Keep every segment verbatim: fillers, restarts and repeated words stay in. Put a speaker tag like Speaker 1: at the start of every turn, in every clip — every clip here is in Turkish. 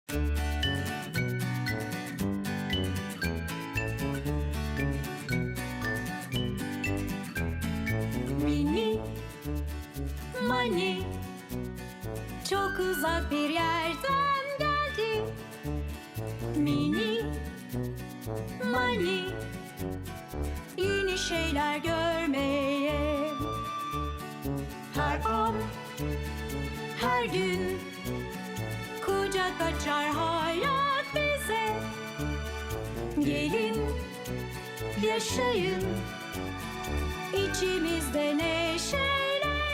Speaker 1: Mini Mani çok uzak bir yerden geldi. Mini Mani yeni şeyler görmeye. Her an, her gün kucak açar hayat bize. Gelin, yaşayın içimizde neşeyle.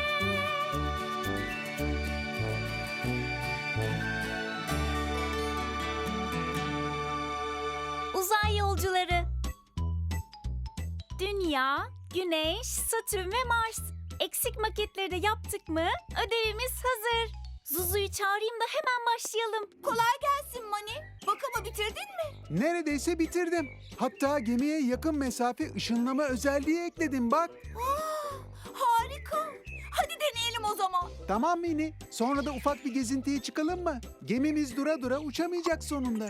Speaker 1: Uzay yolcuları. Dünya, Güneş, Satürn ve Mars. Eksik maketleri de yaptık mı? Ödevimiz hazır. Zuzu'yu çağırayım da hemen başlayalım.
Speaker 2: Kolay gelsin Mani. Bakımı bitirdin mi?
Speaker 3: Neredeyse bitirdim. Hatta gemiye yakın mesafe ışınlama özelliği ekledim bak.
Speaker 2: Aa, harika. Hadi deneyelim o zaman.
Speaker 3: Tamam Mini. Sonra da ufak bir gezintiye çıkalım mı? Gemimiz dura dura uçamayacak sonunda.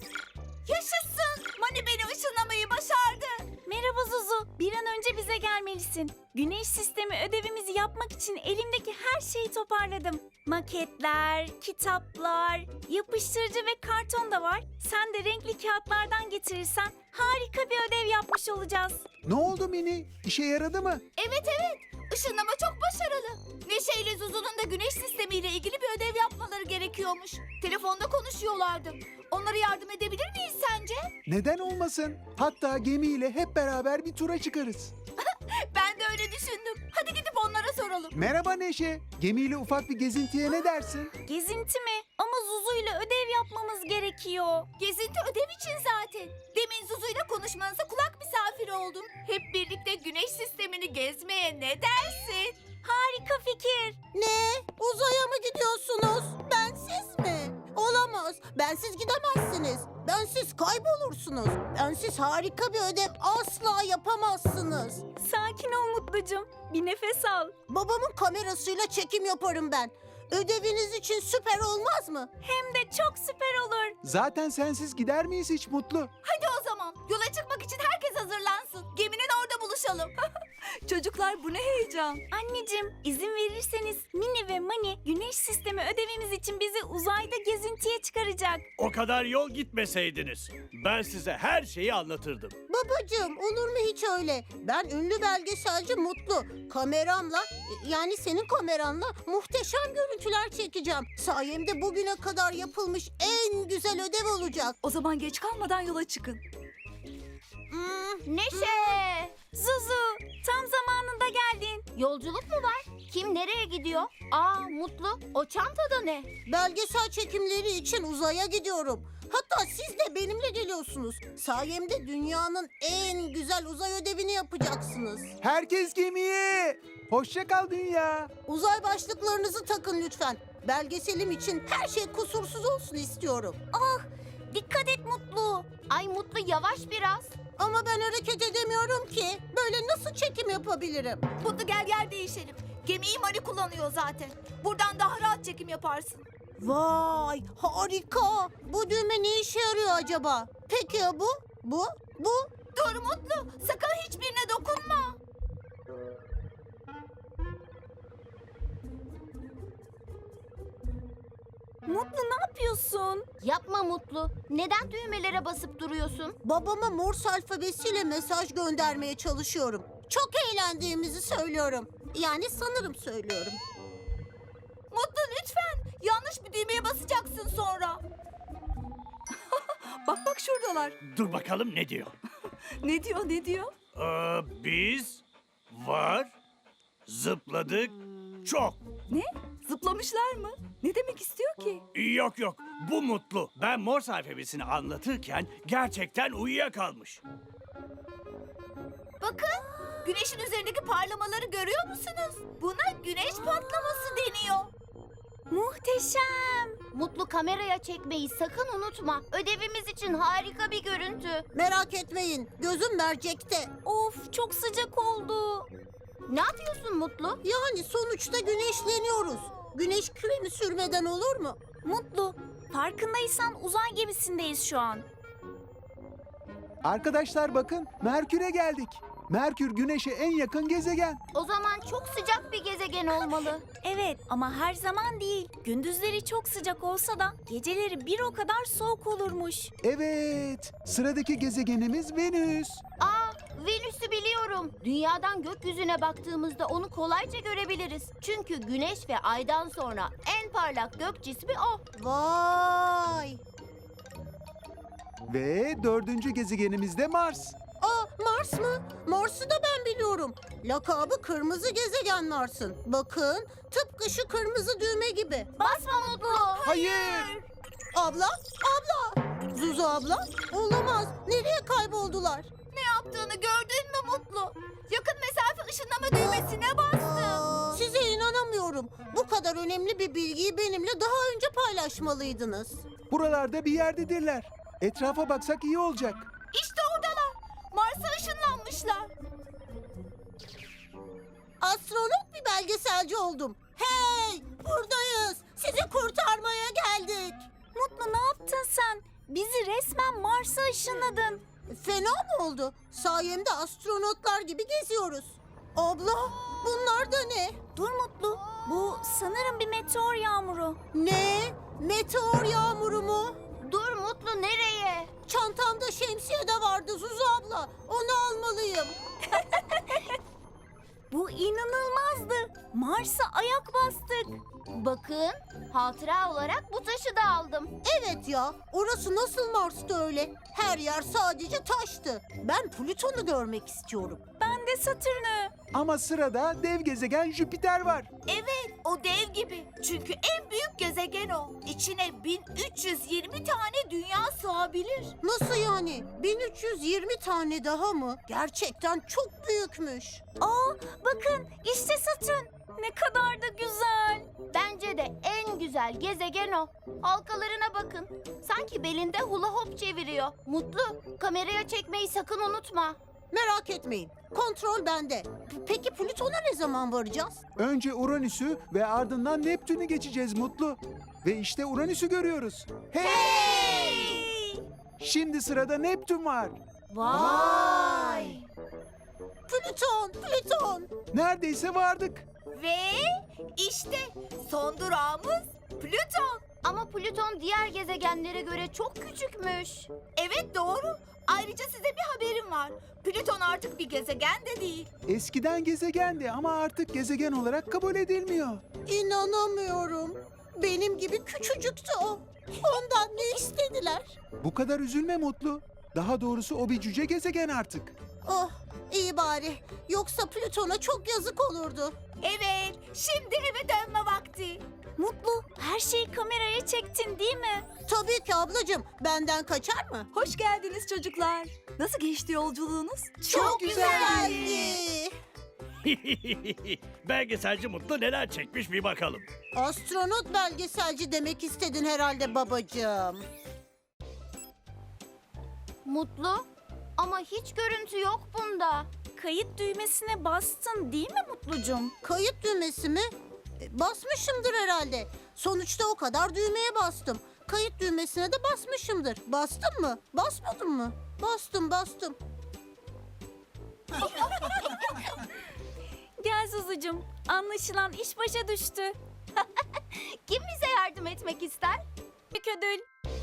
Speaker 2: Yaşasın. Mani beni ışınlamayı başardı.
Speaker 1: Merhaba Zuzu. Bir an önce bize gelmelisin. Güneş sistemi ödevimizi yapmak için elimdeki her şeyi toparladım. Maketler, kitaplar, yapıştırıcı ve karton da var. Sen de renkli kağıtlardan getirirsen harika bir ödev yapmış olacağız.
Speaker 3: Ne oldu Mini? İşe yaradı mı?
Speaker 2: Evet evet. Işınlama çok başarılı. Neşe ile Zuzu'nun da güneş sistemiyle ilgili bir ödev yapmaları gerekiyormuş. Telefonda konuşuyorlardı. Onlara yardım edebilir miyiz sence?
Speaker 3: Neden olmasın? Hatta gemiyle hep beraber bir tura çıkarız.
Speaker 2: Ben de öyle düşündüm. Hadi gidip onlara soralım.
Speaker 3: Merhaba Neşe. Gemiyle ufak bir gezintiye ne dersin?
Speaker 1: Gezinti mi? Ama Zuzu ile ödev yapmamız gerekiyor.
Speaker 2: Gezinti ödev için zaten. Demin Zuzu'yla konuşmanıza kulak misafiri oldum. Hep birlikte güneş sistemini gezmeye ne dersin?
Speaker 1: Harika fikir.
Speaker 4: Ne? Uzaya mı gidiyorsunuz? Bensiz mi? Olamaz. Bensiz gidemezsiniz. Bensiz kaybolursunuz. Bensiz harika bir ödev asla yapamazsınız.
Speaker 1: Sakin ol Mutlucum. Bir nefes al.
Speaker 4: Babamın kamerasıyla çekim yaparım ben. Ödeviniz için süper olmaz mı?
Speaker 1: Hem de çok süper olur.
Speaker 3: Zaten sensiz gider miyiz hiç Mutlu?
Speaker 2: Hadi o zaman. Yola çıkmak için herkes hazırlansın. Geminin orada buluşalım. Çocuklar bu ne heyecan.
Speaker 1: Anneciğim, izin verirseniz Mini ve Mani güneş sistemi ödevimiz için bizi uzayda gezintiye çıkaracak.
Speaker 5: O kadar yol gitmeseydiniz ben size her şeyi anlatırdım.
Speaker 4: Babacığım olur mu hiç öyle? Ben ünlü belgeselci Mutlu. Kameramla yani senin kameranla muhteşem görüntüler çekeceğim. Sayemde bugüne kadar yapılmış en güzel ödev olacak.
Speaker 2: O zaman geç kalmadan yola çıkın.
Speaker 4: Hmm,
Speaker 2: Neşe!
Speaker 1: Zuzu, tam zamanında geldin.
Speaker 2: Yolculuk mu var? Kim nereye gidiyor? Aa Mutlu. O çantada ne?
Speaker 4: belgesel çekimleri için uzaya gidiyorum. Hatta siz de benimle geliyorsunuz. Sayemde dünyanın en güzel uzay ödevini yapacaksınız.
Speaker 3: Herkes gemiye. Hoşça kal dünya.
Speaker 4: Uzay başlıklarınızı takın lütfen. Belgeselim için her şey kusursuz olsun istiyorum.
Speaker 1: Dikkat et Mutlu.
Speaker 2: Ay Mutlu yavaş biraz.
Speaker 4: Ama ben hareket edemiyorum ki. Böyle nasıl çekim yapabilirim?
Speaker 2: Mutlu gel yer değişelim. Gemiyi Mani kullanıyor zaten. Buradan daha rahat çekim yaparsın.
Speaker 4: Vay harika. Bu düğme ne işe yarıyor acaba? Peki ya bu? Bu? Bu?
Speaker 2: Dur Mutlu. Sakın hiçbirine dokunma.
Speaker 1: Mutlu ne yapıyorsun?
Speaker 2: Yapma Mutlu. Neden düğmelere basıp duruyorsun?
Speaker 4: Babama Morse alfabesiyle mesaj göndermeye çalışıyorum. Çok eğlendiğimizi söylüyorum. Yani sanırım söylüyorum.
Speaker 2: Mutlu lütfen. Yanlış bir düğmeye basacaksın sonra. bak bak şuradalar.
Speaker 5: Dur bakalım ne diyor.
Speaker 2: Ne diyor ne diyor?
Speaker 5: Ee, biz var zıpladık çok.
Speaker 2: Ne? Zıplamışlar mı? Ne demek istiyor ki?
Speaker 5: Yok yok bu Mutlu. Ben Morse alfabesini anlatırken gerçekten uyuyakalmış.
Speaker 2: Bakın. Güneşin üzerindeki parlamaları görüyor musunuz? Buna güneş patlaması deniyor.
Speaker 1: Muhteşem.
Speaker 6: Mutlu kameraya çekmeyi sakın unutma. Ödevimiz için harika bir görüntü.
Speaker 4: Merak etmeyin. Gözüm mercekte.
Speaker 1: Of çok sıcak oldu.
Speaker 6: Ne yapıyorsun Mutlu?
Speaker 4: Yani sonuçta güneşleniyoruz. Güneş kremi sürmeden olur mu?
Speaker 1: Mutlu, Farkındaysan uzay gemisindeyiz şu an.
Speaker 3: Arkadaşlar bakın, Merkür'e geldik. Merkür Güneş'e en yakın gezegen.
Speaker 6: O zaman çok sıcak bir gezegen olmalı.
Speaker 1: Evet ama her zaman değil. Gündüzleri çok sıcak olsa da geceleri bir o kadar soğuk olurmuş.
Speaker 3: Evet, sıradaki gezegenimiz Venüs.
Speaker 6: Aa, Venüs'ü biliyorum. Dünyadan gökyüzüne baktığımızda onu kolayca görebiliriz. Çünkü Güneş ve Ay'dan sonra en parlak gök cismi o.
Speaker 4: Vay!
Speaker 3: Ve dördüncü gezegenimiz de Mars.
Speaker 4: Aa, Mars mı? Mars'ı da ben biliyorum. Lakabı kırmızı gezegen Mars'ın. Bakın, tıpkı şu kırmızı düğme gibi.
Speaker 6: Basma Mutlu.
Speaker 3: Hayır.
Speaker 4: Abla, abla! Zuzu abla, olamaz. Nereye kayboldular?
Speaker 2: Ne yaptığını gördün mü Mutlu? Yakın mesafe ışınlama düğmesine bastım.
Speaker 4: Size inanamıyorum. Bu kadar önemli bir bilgiyi benimle daha önce paylaşmalıydınız.
Speaker 3: Buralarda bir yerdedirler. Etrafa baksak iyi olacak.
Speaker 2: İşte oradalar. Mars'a ışınlanmışlar.
Speaker 4: Astronot bir belgeselci oldum. Hey, buradayız. Sizi kurtarmaya geldik.
Speaker 1: Mutlu ne yaptın sen? Bizi resmen Mars'a ışınladın.
Speaker 4: Fena mı oldu? Sayemde astronotlar gibi geziyoruz. Abla, bunlar da ne?
Speaker 1: Dur Mutlu. Bu sanırım bir meteor yağmuru.
Speaker 4: Ne? Meteor yağmuru mu?
Speaker 6: Dur Mutlu, nereye?
Speaker 4: Çantamda şemsiye de vardı Zuzu abla. Onu almalıyım.
Speaker 1: Bu inanılmazdı. Mars'a ayak bastık.
Speaker 6: Bakın, hatıra olarak bu taşı da aldım.
Speaker 4: Evet ya, orası nasıl Mars'ta öyle? Her yer sadece taştı. Ben Plüton'u görmek istiyorum.
Speaker 1: Ben de Satürn'ü.
Speaker 3: Ama sırada dev gezegen Jüpiter var.
Speaker 2: Evet, o dev gibi. Çünkü en büyük gezegen o. İçine bin üç yüz yirmi tane dünya sığabilir.
Speaker 4: Nasıl yani? bin üç yüz yirmi tane daha mı? Gerçekten çok büyükmüş.
Speaker 1: Aa bakın işte Satürn. Ne kadar da güzel.
Speaker 6: Bence de en güzel gezegen o. Halkalarına bakın. Sanki belinde hula hop çeviriyor. Mutlu, kameraya çekmeyi sakın unutma.
Speaker 4: Merak etmeyin. Kontrol bende. P- Peki Plüton'a ne zaman varacağız?
Speaker 3: Önce Uranüs'ü ve ardından Neptün'ü geçeceğiz Mutlu. Ve işte Uranüs'ü görüyoruz. Hey! Şimdi sırada Neptün var.
Speaker 1: Vay.
Speaker 4: Plüton, Plüton.
Speaker 3: Neredeyse vardık.
Speaker 2: Ve işte son durağımız Plüton.
Speaker 6: Ama Plüton diğer gezegenlere göre çok küçükmüş.
Speaker 2: Evet doğru. Ayrıca size bir haberim var. Plüton artık bir gezegen de değil.
Speaker 3: Eskiden gezegendi ama artık gezegen olarak kabul edilmiyor.
Speaker 4: İnanamıyorum. Benim gibi küçücüktü o. Ondan ne istediler?
Speaker 3: Bu kadar üzülme Mutlu. Daha doğrusu o bir cüce gezegen artık.
Speaker 4: Oh, iyi bari. Yoksa Plüton'a çok yazık olurdu.
Speaker 2: Evet, şimdi eve dönme vakti.
Speaker 1: Mutlu her şeyi kameraya çektin değil mi?
Speaker 4: Tabii ki ablacığım. Benden kaçar mı?
Speaker 7: Hoş geldiniz çocuklar. Nasıl geçti yolculuğunuz?
Speaker 4: Çok güzeldi.
Speaker 5: Belgeselci Mutlu neler çekmiş bir bakalım.
Speaker 4: Astronot belgeselci demek istedin herhalde babacığım.
Speaker 6: Mutlu, ama hiç görüntü yok bunda.
Speaker 1: Kayıt düğmesine bastın değil mi Mutlucum?
Speaker 4: Kayıt düğmesi mi? E, Basmışımdır herhalde. Sonuçta o kadar düğmeye bastım. Kayıt düğmesine de basmışımdır. Bastım mı? Basmadım mı? Bastım, bastım.
Speaker 1: Gel Zuzucum. Anlaşılan iş başa düştü.
Speaker 6: Kim bize yardım etmek ister?
Speaker 1: Büyük ödül.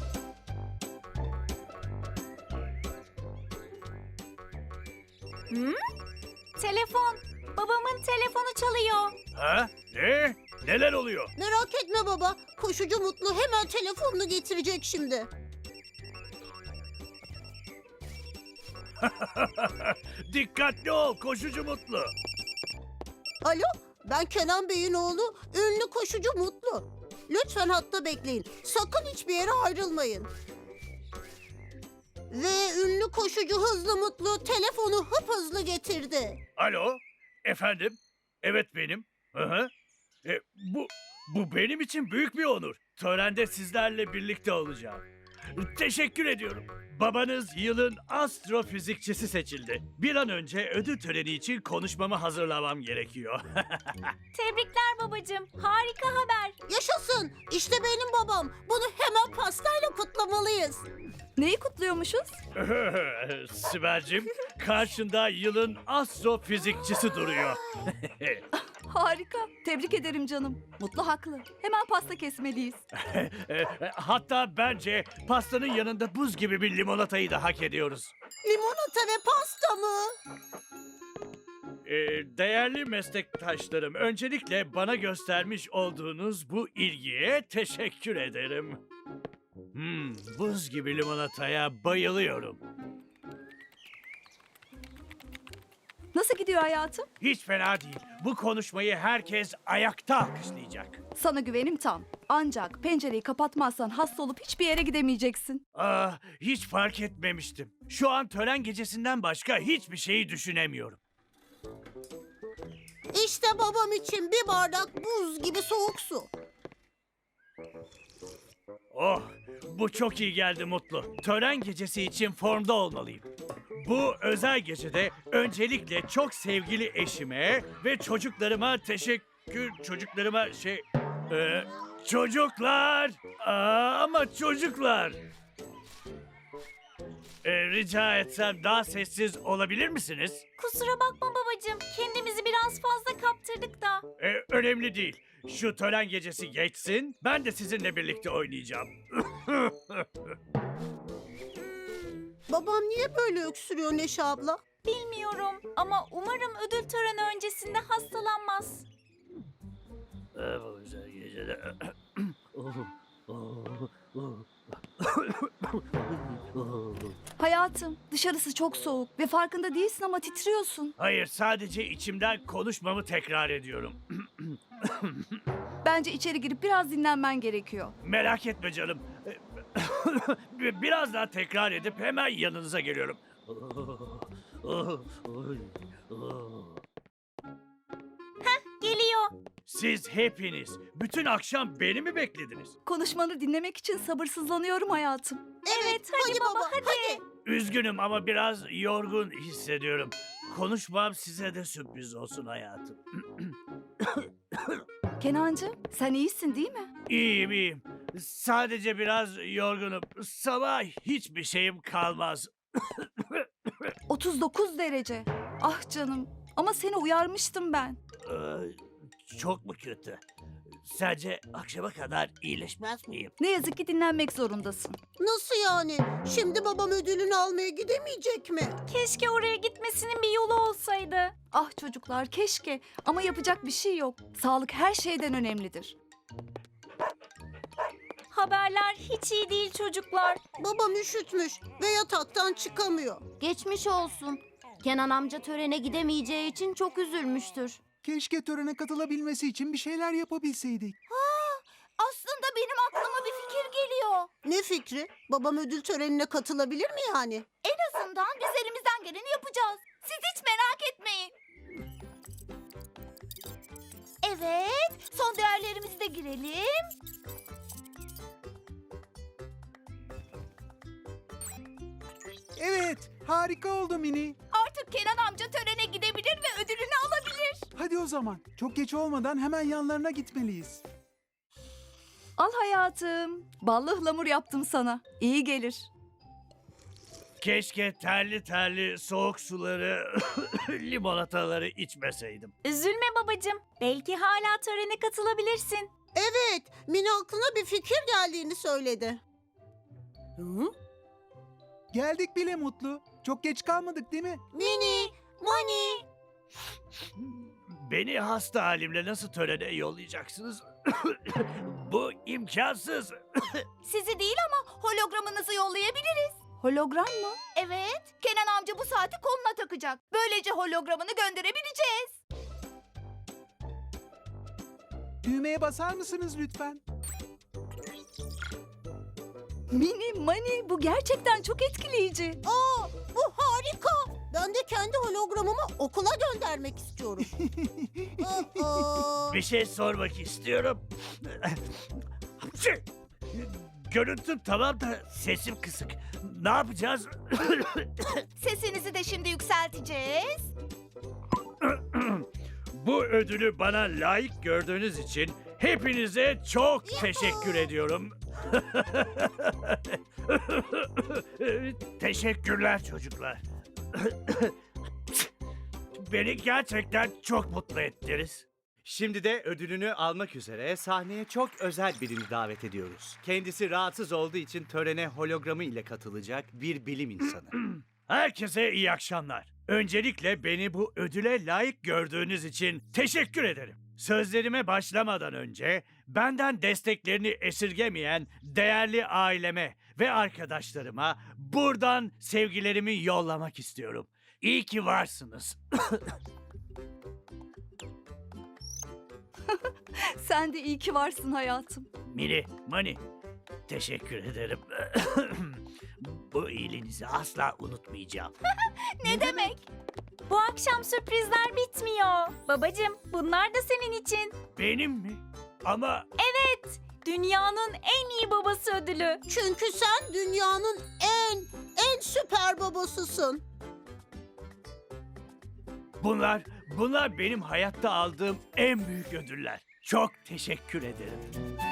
Speaker 1: Hmm? Telefon. Babamın telefonu çalıyor.
Speaker 5: Ha? Ne? Neler oluyor?
Speaker 4: Merak etme baba. Koşucu Mutlu hemen telefonunu getirecek şimdi.
Speaker 5: Dikkatli ol koşucu Mutlu.
Speaker 4: Alo, ben Kenan Bey'in oğlu, ünlü koşucu Mutlu. Lütfen hatta bekleyin. Sakın hiçbir yere ayrılmayın. Ve ünlü koşucu Hızlı Mutlu telefonu hıphızlı getirdi.
Speaker 5: Alo? Efendim? Evet benim. Hı hı. E, bu, bu benim için büyük bir onur. Törende sizlerle birlikte olacağım. Teşekkür ediyorum. Babanız yılın astrofizikçisi seçildi. Bir an önce ödül töreni için konuşmamı hazırlamam gerekiyor.
Speaker 1: Tebrikler babacığım. Harika haber.
Speaker 4: Yaşasın, işte benim babam. Bunu hemen Hemen pastayla kutlamalıyız.
Speaker 7: Neyi kutluyormuşuz?
Speaker 5: Sibel'cim, karşında yılın astrofizikçisi duruyor.
Speaker 7: Harika. Tebrik ederim canım. Mutlu haklı. Hemen pasta kesmeliyiz.
Speaker 5: Hatta bence pastanın yanında buz gibi bir limonatayı da hak ediyoruz.
Speaker 4: Limonata ve pasta mı?
Speaker 5: Ee, değerli meslektaşlarım, öncelikle bana göstermiş olduğunuz bu ilgiye teşekkür ederim. Hmm, buz gibi limonataya bayılıyorum.
Speaker 7: Nasıl gidiyor hayatım?
Speaker 5: Hiç fena değil. Bu konuşmayı herkes ayakta alkışlayacak.
Speaker 7: Sana güvenim tam. Ancak pencereyi kapatmazsan hasta olup hiçbir yere gidemeyeceksin.
Speaker 5: Ah, hiç fark etmemiştim. Şu an tören gecesinden başka hiçbir şeyi düşünemiyorum.
Speaker 4: İşte babam için bir bardak buz gibi soğuk su.
Speaker 5: Oh, bu çok iyi geldi Mutlu. Tören gecesi için formda olmalıyım. Bu özel gecede öncelikle çok sevgili eşime ve çocuklarıma teşekkür... Çocuklarıma şey... e, çocuklar! Aa, ama çocuklar! E, rica etsem daha sessiz olabilir misiniz?
Speaker 1: Kusura bakma babacığım. Kendimizi biraz fazla kaptırdık da.
Speaker 5: E, önemli değil. Şu tören gecesi geçsin, ben de sizinle birlikte oynayacağım.
Speaker 4: Babam niye böyle öksürüyor Neşe abla?
Speaker 1: Bilmiyorum ama umarım ödül töreni öncesinde hastalanmaz.
Speaker 5: Bu güzel gecede...
Speaker 7: Hayatım, dışarısı çok soğuk ve farkında değilsin ama titriyorsun.
Speaker 5: Hayır, sadece içimden konuşmamı tekrar ediyorum.
Speaker 7: Bence içeri girip biraz dinlenmen gerekiyor.
Speaker 5: Merak etme canım. Biraz daha tekrar edip hemen yanınıza geliyorum.
Speaker 1: Geliyor.
Speaker 5: Siz hepiniz bütün akşam beni mi beklediniz?
Speaker 7: Konuşmanı dinlemek için sabırsızlanıyorum hayatım.
Speaker 1: Evet, hadi, baba, hadi.
Speaker 5: Üzgünüm ama biraz yorgun hissediyorum. Konuşmam size de sürpriz olsun hayatım.
Speaker 7: Kenancığım, sen iyisin değil mi?
Speaker 5: İyiyim iyiyim. Sadece biraz yorgunum. Sabah hiçbir şeyim kalmaz.
Speaker 7: otuz dokuz derece. Ah canım, ama seni uyarmıştım ben.
Speaker 5: Ee, Çok mu kötü? Sence akşama kadar iyileşmez miyim?
Speaker 7: Ne yazık ki dinlenmek zorundasın.
Speaker 4: Nasıl yani? Şimdi babam ödülünü almaya gidemeyecek mi?
Speaker 1: Keşke oraya gitmesinin bir yolu olsaydı.
Speaker 7: Ah çocuklar keşke ama yapacak bir şey yok. Sağlık her şeyden önemlidir.
Speaker 1: Haberler hiç iyi değil çocuklar.
Speaker 4: Babam üşütmüş ve yataktan çıkamıyor.
Speaker 6: Geçmiş olsun. Kenan amca törene gidemeyeceği için çok üzülmüştür.
Speaker 3: Keşke törene katılabilmesi için bir şeyler yapabilseydik.
Speaker 2: Aslında benim aklıma bir fikir geliyor.
Speaker 4: Ne fikri? Babam ödül törenine katılabilir mi yani?
Speaker 2: En azından biz elimizden geleni yapacağız. Siz hiç merak etmeyin. Evet, son değerlerimizi de girelim.
Speaker 3: Evet, harika oldu Mini.
Speaker 2: Artık Kenan amca törene gidebilir ve ödülünü alabilir.
Speaker 3: Hadi o zaman. Çok geç olmadan hemen yanlarına gitmeliyiz.
Speaker 7: Al hayatım. Ballı ıhlamur yaptım sana. İyi gelir.
Speaker 5: Keşke terli terli soğuk suları, limonataları içmeseydim.
Speaker 1: Üzülme babacığım. Belki hala törene katılabilirsin.
Speaker 4: Evet, Mini aklına bir fikir geldiğini söyledi. Hı?
Speaker 3: Geldik bile Mutlu. Çok geç kalmadık değil mi?
Speaker 4: Mini, Mani.
Speaker 5: Beni hasta halimle nasıl törene yollayacaksınız? Bu imkansız.
Speaker 2: Sizi değil ama hologramınızı yollayabiliriz.
Speaker 7: Hologram mı?
Speaker 2: Evet, Kenan amca bu saati koluna takacak. Böylece hologramını gönderebileceğiz.
Speaker 3: Düğmeye basar mısınız lütfen?
Speaker 7: Mini, Mani bu gerçekten çok etkileyici.
Speaker 4: Aa, bu harika. Ben de kendi hologramımı okula göndermek istiyorum. Aa,
Speaker 5: Bir şey sormak istiyorum. Görüntüm tamam da sesim kısık. Ne yapacağız?
Speaker 2: Sesinizi de şimdi yükselteceğiz.
Speaker 5: Bu ödülü bana layık gördüğünüz için Hepinize çok teşekkür ediyorum. Teşekkürler çocuklar. Beni gerçekten çok mutlu ettiniz.
Speaker 8: Şimdi de ödülünü almak üzere sahneye çok özel birini davet ediyoruz. Kendisi rahatsız olduğu için törene hologramı ile katılacak bir bilim insanı.
Speaker 5: Herkese iyi akşamlar. Öncelikle beni bu ödüle layık gördüğünüz için teşekkür ederim. Sözlerime başlamadan önce benden desteklerini esirgemeyen değerli aileme ve arkadaşlarıma buradan sevgilerimi yollamak istiyorum. İyi ki varsınız.
Speaker 7: Sen de iyi ki varsın hayatım.
Speaker 5: Mini, Mani, teşekkür ederim. Bu iyiliğinizi asla unutmayacağım.
Speaker 1: Ne demek? Bu akşam sürprizler bitmiyor. Babacığım, bunlar da senin için.
Speaker 5: Benim mi? Ama
Speaker 1: Dünyanın en iyi babası ödülü.
Speaker 4: Çünkü sen dünyanın en, en süper babasısın.
Speaker 5: bunlar, bunlar benim hayatta aldığım en büyük ödüller. Çok teşekkür ederim.